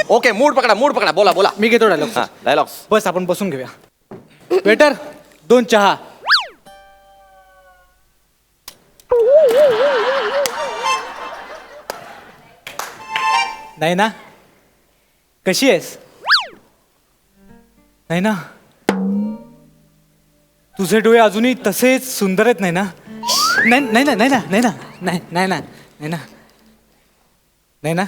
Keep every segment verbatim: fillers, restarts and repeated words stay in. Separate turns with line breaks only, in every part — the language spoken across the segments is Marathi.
ओके मूड पकडा मूड पकडा बोला बोला.
मी घेतो डायलॉग.
डायलॉग
बस आपण बसून घेऊया. वेटर दोन चहा. नाही ना, कशी आहेस? नाही ना, तुझे डोळे अजूनही तसेच सुंदर आहेत. नाही ना, नाही नाही ना, नाही ना, नाही ना, नाही नाही ना, नाही ना, नाही ना.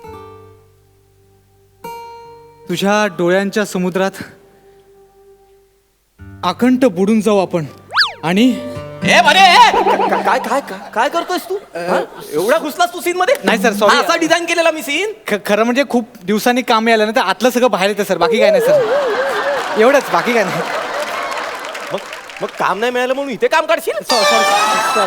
तुझ्या डोळ्यांच्या समुद्रात आकंठ बुडून जाऊ आपण. आणि
ए बरे काय काय काय काय करतोयस तू? एवढा घुसलास तू सीन मध्ये?
नाही सर, सॉरी.
असा डिझाईन केलेला मी सीन.
खरं म्हणजे खूप दिवसांनी काम आलं ना, तर आतलं सगळं बाहेर येतं सर. बाकी काय नाही सर, एवढंच, बाकी काय नाही.
मग मग काम नाही मिळालं म्हणून इथे काम काढशील?
सॉरी.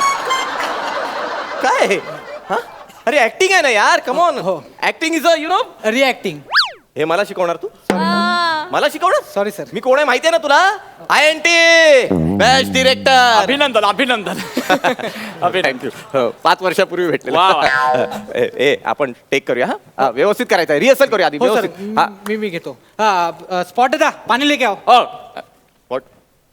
काय हा? अरे ऍक्टिंग आहे ना यार, कम ऑन.
हो.
Acting is a you know.
Reacting.
हे मला शिकवणार तू? मला शिकवणार?
Sorry sir.
मी कोण आहे माहितीये ना तुला? I N T best director.
अभिनंदन अभिनंदन.
थँक्यू. पाच वर्षापूर्वी भेटले.
वा, वा.
ए ए, आपण टेक करूया हा. व्यवस्थित करायचं आहे, रिहर्सल करूया आधी.
हो सर,
व्यवस्थित. हा.
मी मी घेतो. स्पॉट दा पाणी लेके आओ.
ओ
What?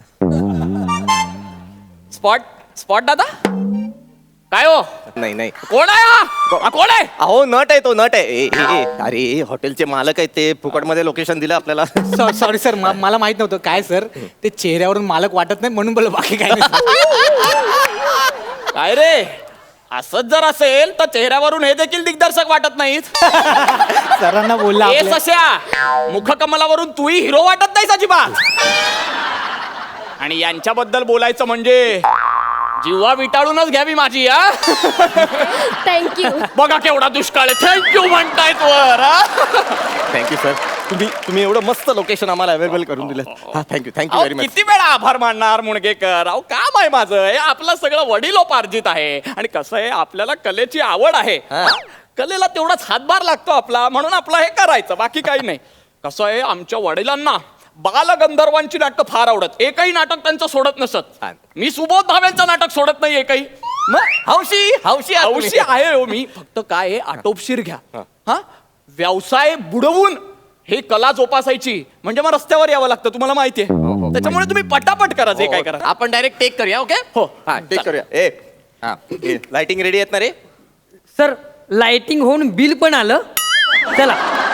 स्पॉट स्पॉट दादा काय हो?
नाही नाही
कोण आहे हा? हा, कोण आहे?
अहो नट आहे तो, नट आहे. ए, ए, ए, अरे हॉटेलचे मालक आहेत ते, फुकटमध्ये लोकेशन दिलं आपल्याला.
सॉरी सर, मला माहित नव्हतं. काय सर, ते चेहऱ्यावरून मालक वाटत नाही म्हणून बोललो, बाकी काय नाही.
काय रे, असंच जर असेल तर चेहऱ्यावरून हे देखील दिग्दर्शक वाटत नाहीत.
सरांना बोलला
ए
आपल्या.
सश्या, मुखकमलावरून तूही हिरो वाटत नाहीस अजिबात. आणि यांच्याबद्दल बोलायचं म्हणजे जीवा विटाळूनच घ्यावी माझी. हा
थँक्यू.
बघा केवढा दुष्काळ आहे. थँक्यू म्हणतायत वर.
थँक्यू सर, तुम्ही तुम्ही एवढं मस्त लोकेशन आम्हाला अवेलेबल करून दिलं. हा थँक्यू थँक्यू
अहो,
व्हेरी मच.
किती वेळा आभार मानणार मुणगेकर. अहो काम आहे माझं, हे आपलं सगळं वडिलोपार्जित आहे. आणि कसं आहे, आपल्याला कलेची आवड आहे.
हा.
कलेला तेवढाच हातभार लागतो आपला, म्हणून आपलं हे करायचं, बाकी काही नाही. कसं आहे, आमच्या वडिलांना बालगंधर्वांची नाटकं फार आवडत. एकही नाटक त्यांचं सोडत नसत.
छान.
मी सुबोध भावेंचं नाटक सोडत नाही एकही.
मग हौशी हौशी आहात तुम्ही.
हौशी आहे हो मी. फक्त काय आहे, आटोपशीर घ्या. हा व्यवसाय बुडवून हे कला जोपासायची म्हणजे मग रस्त्यावर यावं लागतं, तुम्हाला माहितीये. त्याच्यामुळे तुम्ही पटापट करा जे काय करा.
आपण डायरेक्ट टेक करूया. ओके
हो.
हा टेक करूया. ए हा लाइटिंग रेडी आहेत ना रे?
सर लाइटिंग होऊन बिल पण आलं. चला.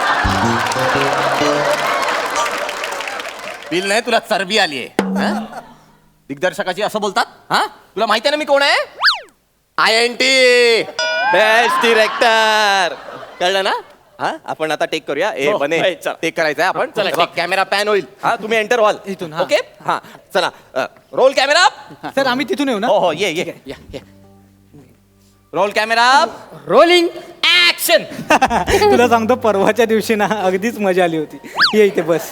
बिल नाही, तुला चरबी आली आहे. दिग्दर्शकाची असं बोलतात? हा तुला माहिती आहे ना मी कोण आहे? I N T best director. कळलं ना? हा आपण आता टेक करूया. ए
हो,
बने
ए, चल.
टेक करायचं आहे आपण.
चला,
चला कॅमेरा पॅन होईल. हा तुम्ही एंटर व्हाल
इथून, हा.
ओके. हा चला रोल कॅमेरा.
सर आम्ही तिथून येऊ ना.
हो हो ये ये
या, या.
Roll camera
rolling.
ऍक्शन.
तुला सांगतो, परवाच्या दिवशी ना अगदीच मजा आली होती. ये इथे बस.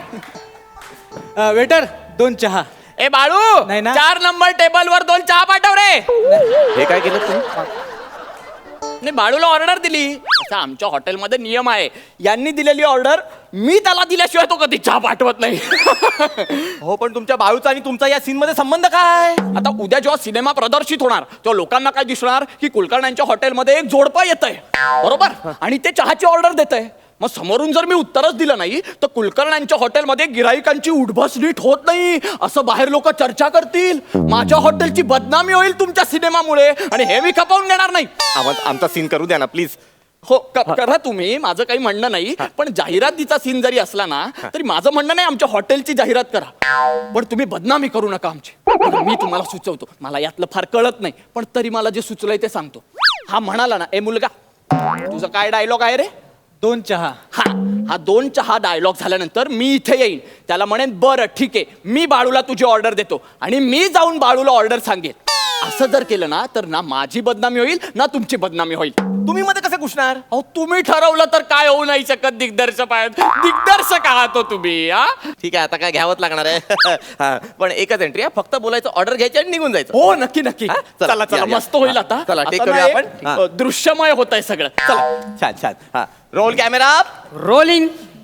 वेटर दोन चहा.
ए बाळू,
नाही ना.
चार नंबर टेबल वर दोन चहा पाठव रे.
हे काय केलं तुम्ही?
नाही, बाळूला ऑर्डर दिली. असं आमच्या हॉटेलमध्ये नियम आहे, यांनी दिलेली ऑर्डर मी त्याला दिल्याशिवाय तो कधी चहा पाठवत नाही.
हो पण तुमच्या बाळूचा आणि तुमचा या सीन मध्ये संबंध काय?
आता उद्या जेव्हा सिनेमा प्रदर्शित होणार तेव्हा लोकांना काय दिसणार की कुलकर्ण्यांच्या हॉटेलमध्ये एक जोडपं येतंय, बरोबर, आणि ते चहाची ऑर्डर देतंय. मग समोरून जर मी उत्तरच दिलं नाही तर कुलकर्ण्यांच्या हॉटेलमध्ये गिराईकांची उठबस नीट होत नाही असं बाहेर लोक चर्चा करतील. माझ्या हॉटेलची बदनामी होईल तुमच्या सिनेमामुळे, आणि हे मी खपवून घेणार नाही.
आम्हा- आमचा सीन करू द्या ना प्लीज.
हो क- करा तुम्ही, माझं काही म्हणणं नाही. पण जाहिरातीचा सीन जरी असला ना तरी माझं म्हणणं नाही, आमच्या हॉटेलची जाहिरात करा, पण तुम्ही बदनामी करू नका आमची. मी तुम्हाला सुचवतो, मला यातलं फार कळत नाही पण तरी मला जे सुचलंय ते सांगतो. हा म्हणाला ना, ए मुलगा तुझा काय डायलॉग आहे रे?
दोन चहा.
हा हा दोन चहा डायलॉग झाल्यानंतर मी इथे येईन, त्याला म्हणेन बरं ठीक आहे मी बाळूला तुझी ऑर्डर देतो, आणि मी जाऊन बाळूला ऑर्डर सांगेन. असं जर केलं ना तर ना माझी बदनामी होईल ना तुमची बदनामी होईल.
तुम्ही मध्ये कसे घुसणार?
अहो तुम्ही ठरवलं तर काय होऊ नाही शकत. दिग्दर्शक आहेत, दिग्दर्शक आहात हो तुम्ही. हा
ठीक आहे आता काय घ्यावंच लागणार आहे. हा, पण एकच एंट्री आहे, फक्त बोलायचं, ऑर्डर घ्यायची आणि निघून जायचं.
हो नक्की नक्की.
हा? चला,
चला चला
या, या.
मस्त होईल
हा,
आता.
चला, take
आता
करूया
ना
आपण.
एक,
हा.
अ, दृश्यमय होत आहे सगळं. चला
छान छान. हा roll camera
rolling.
Action.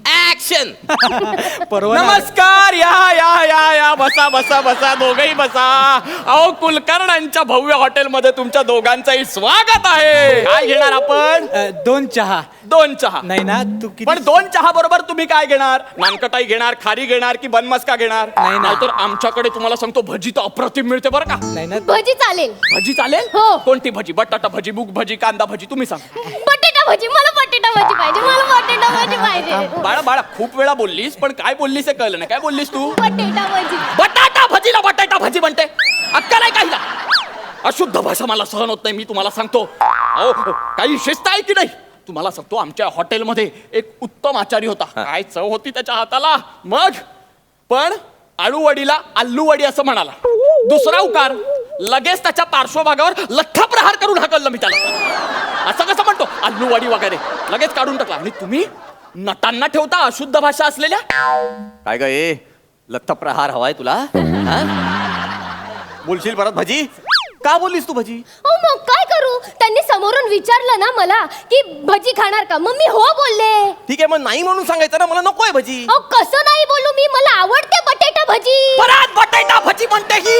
Action
परवा
नमस्कार, या या या या बसा बसा बसा दोघही बसा. अहो कुलकर्णांच्या भव्य हॉटेलमध्ये तुमच्या दोघांचंही स्वागत आहे. काय घेणार आपण?
अ, दोन चहा
दोन चहा.
नाही ना तू किती
पण दोन चहा बरोबर तुम्ही काय घेणार? नानकटाई घेणार, खारी घेणार की बनमस्का घेणार?
नाही ना.
तर आमच्याकडे तुम्हाला सांगतो भजी तर अप्रतिम मिळते बरं का.
नाही ना
भजी चालेल.
भजी चालेल?
हो.
कोणती भजी? बटाटा भजी, मूग भजी, कांदा भजी, तुम्ही सांगा.
बटाटा भजी, मला बटाटा भजी पाहिजे, मला बटाटा भजी पाहिजे.
बाळा बाळा खूप वेळा बोललीस पण काय बोललीस हे कळलं नाही. काय बोललीस तू?
बटाटा भजी.
बटाटा भजीला बटाटा भजी म्हणते. अक्कल आहे काहीला? अशुद्ध भाषा मला सहन होत नाही, मी तुम्हाला सांगतो. अहो काही शिस्त आहे की नाही? तुम्हाला सांगतो आमच्या हॉटेलमध्ये एक उत्तम आचारी होता. काय चव होती त्याच्या हाताला. मग पण आळूवडीला आल्लूवडी असं म्हणाला. दुसरा उकार लगेच त्याच्या पार्श्वभागावर लठ्ठा प्रहार करून हाकललं मी त्याला. असं कसं म्हणतो आल्लूवडी वगैरे लगेच काढून टाकला. आणि तुम्ही नटांना ठेवता अशुद्ध भाषा असलेल्या.
काय ग ए लत्थ प्रहार हवाय तुला हा? बोलशील परत भजी का बोललीस तू भजी?
हो मग काय करू? त्यांनी समोरून विचारलं ना मला की भजी खाणार का, मग मी हो बोलले.
ठीक आहे मग नाही म्हणून सांगायचं ना मला नकोय भजी.
अहो कसं नाही बोलू मी, मला आवडते बटाटा भजी.
परत बटाटा भजी म्हणते ही.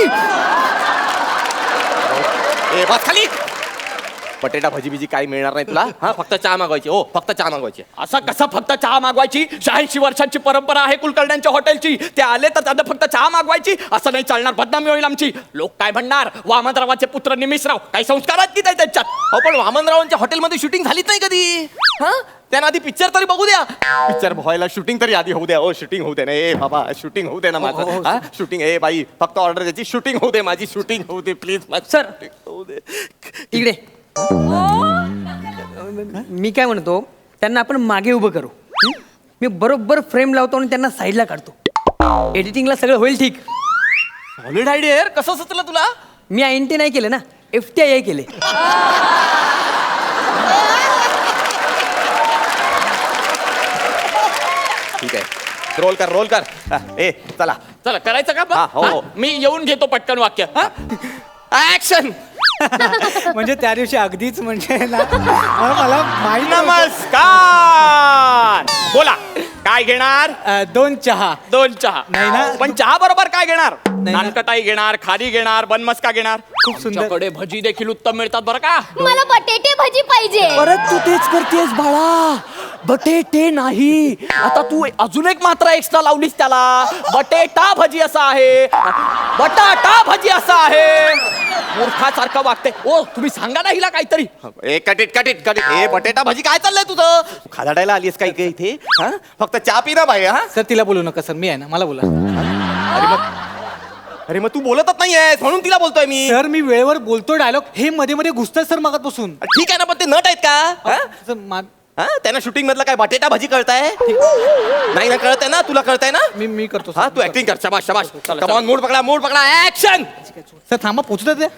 ए बस खाली. बटेटा भजी बिजी काही मिळणार नाही तुला हा फक्त चहा मागवायची. हो फक्त चहा मागवायची.
असं कसं फक्त चहा मागवायची? शहाऐंशी वर्षांची परंपरा आहे कुलकर्ण्यांच्या हॉटेलची. ते आले तर त्यांना फक्त चहा मागवायची असं नाही चालणार. बदनामी होईल आमची. लोक काय म्हणणार? वामनरावाचे पुत्र निमिषराव काही संस्कार आहेत की नाही त्यांच्यात?
हो पण वामनरावांच्या हॉटेलमध्ये शूटिंग झालीच नाही कधी. हा त्यांना आधी पिक्चर तरी बघू द्या. पिक्चर व्हायला शूटिंग तरी आधी होऊ द्या. हो शूटिंग होऊ दे ना. ए बाबा शूटिंग होऊ दे ना माझं. हा शूटिंग. ए बाई फक्त ऑर्डर द्यायची. शूटिंग होऊ दे माझी. शूटिंग होऊ दे प्लीज.
सर.
होऊ दे.
इकडे मी काय म्हणतो त्यांना आपण मागे उभं करू. हं? मी बरोबर फ्रेम लावतो आणि त्यांना साईडला काढतो. एडिटिंगला सगळं होईल ठीक.
सॉलिड आयडिया यार. कसं सुचलं तुला?
मी आय एन टी नाही केलं ना, एफ टी आय आय केले.
ठीक आहे रोल कर रोल कर. हा, ए चला
चला करायचं का
हा,
मग?
हो, हो.
हा? मी येऊन घेतो पटकन वाक्य. हा?
ऍक्शन.
म्हणजे त्या दिवशी अगदीच म्हणजे ना मला मला माहिती नव्हतं.
नमस्कार. बोला काय घेणार?
अ, दोन चहा.
दोन चहा.
नाही ना.
पण चहा बरोबर काय घेणार?
नाही ना.
नानकटाई घेणार, खारी घेणार, बनमस्का घेणार.
खूप सुंदर.
आमच्याकडे भजी देखील उत्तम मिळतात बरं का.
मला बटाटे भजी पाहिजे.
परत तू तेच करतेस बाळा. बटेटे नाही. आता तू अजून एक मात्रा एक्स्ट्रा लावलीस त्याला. बटेटा भजी असा आहे, बटाटा भजी असा आहे. मूर्खासारखं वागते. ओ तुम्ही सांगा ना हिला काहीतरी.
ए कटिट कटिट कटिट. ए बटेटा भाजी काय चाललंय तुझं? खादाडायला आलीस काही काही इथे हा? फक्त चहा पी ना बाई. हा
सर तिला बोलू नका सर, मी आहे ना, मला बोला.
अरे मग अरे मग तू बोलतच नाहीयेस म्हणून तिला बोलतोय मी.
सर मी वेळेवर बोलतो डायलॉग, हे मध्ये मध्ये घुसतात सर मागातपासून.
ठीक आहे ना पण ते नट आहेत का? हा?
सर, मा-
हा त्यांना शूटिंग मधलं काय बटेटा भाजी कळताय? नाही ना कळतंय ना तुला कळतंय ना.
मी मी करतो
हा
सर.
तू ऍक्टिंग कर. शाबाश शाबाश.
चला,
कम
चला.
ऑन मूड पकडा मूड पकडा ऍक्शन.
सर थांबा पोचू द्या.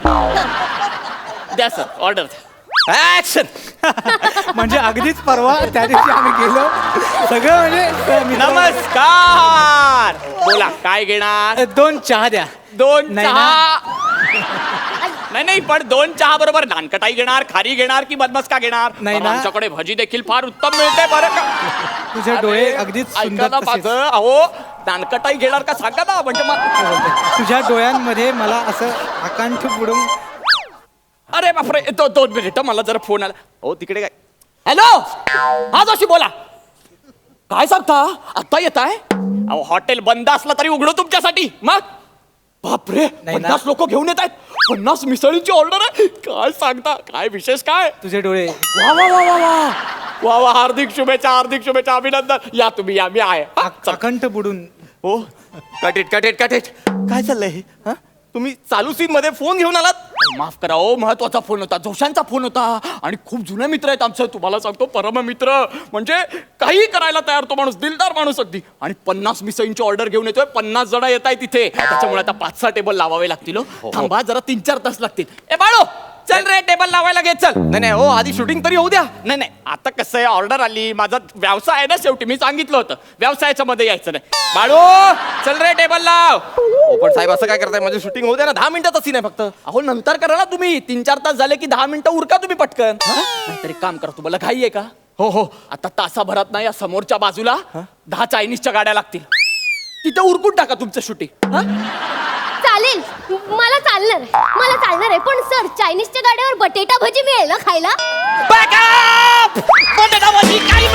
द्या सर ऑर्डर.
ऍक्शन.
म्हणजे अगदीच परवा त्या दिवशी आम्ही गेलो सगळं म्हणजे सर, मी-
नमस्कार. बोला काय घेणार?
अ, दोन चहा द्या.
दोन
नाही
चहा. नाही नाही पण दोन चहा बरोबर नानकटाई घेणार, खारी घेणार की बदमस्का घेणार?
नाही
पण
ना.
आमच्याकडे भजी देखील फार उत्तम मिळते बरं का.
तुझे डोळे
अरे,
अगदीच
ऐका
सुंदर
ना
तसेच.
माझं. अहो नानकटाई घेणार का सांगा ना म्हणजे मग.
तुझ्या डोळ्यांमध्ये मला असं आकांठ बुडून.
अरे बापरे तो दोन मिनिट मला जरा फोन आला.
हो तिकडे काय
हॅलो हा जोशी बोला. काय सांगता आता येत आहे? अहो हॉटेल बंद असला तरी उघडू तुमच्यासाठी. मग बापरे
ना.
पन्नास लोक घेऊन येत आहेत. पन्नास मिसळींची ऑर्डर आहे. काय सांगता? काय विशेष काय?
तुझे डोळे
वा वा वा वा वा वा वा हार्दिक शुभेच्छा हार्दिक शुभेच्छा अभिनंदन. या तुम्ही या मी आहे. हा,
आक-
चला.
आकंठ बुडून.
हो कटिट कटिट कटिट. काय चाललंय हे? हा तुम्ही चालू सीन मध्ये फोन घेऊन आलात?
माफ करा हो महत्वाचा फोन होता, जोशांचा फोन होता आणि खूप जुने मित्र आहेत आमचं. तुम्हाला सांगतो परम मित्र म्हणजे काही करायला तयार तो माणूस, दिलदार माणूस अगदी. आणि पन्नास मिसळींची ऑर्डर घेऊन येतोय. पन्नास जण येत आहे तिथे. त्याच्यामुळे आता पाच सहा टेबल लावावे लागतील. हो. थांबा जरा तीन चार तास लागतील. ए बाळो चल रे टेबल लावायला घे चल.
नाही नाही हो आधी शूटिंग तरी होऊ द्या.
नाही नाही आता कसं आहे ऑर्डर आली. माझा व्यवसाय आहे ना शेवटी. मी सांगितलं होतं व्यवसायाच्या मध्ये यायचं नाही. बाळू चल रे टेबल लाव.
हो पण साहेब असं काय करताय? माझी शूटिंग होऊ द्या ना. दहा मिनिटाचा सीन आहे फक्त.
अहो नंतर करा ना तुम्ही. तीन चार तास झाले की दहा मिनिटं उरका तुम्ही पटकन. नाहीतर एक काम करा तुम्हाला घाई आहे का? हो हो आता तासाभरात ना या समोरच्या बाजूला दहा चायनीजच्या गाड्या लागतील तिथे उरकून टाका तुमचं शूटिंग.
चालेल मला चालणार आहे, मला चालणार आहे. पण सर चायनीजच्या गाड्यावर बटेटा भजी मिळेल ना खायला?
बटाटा भजी काही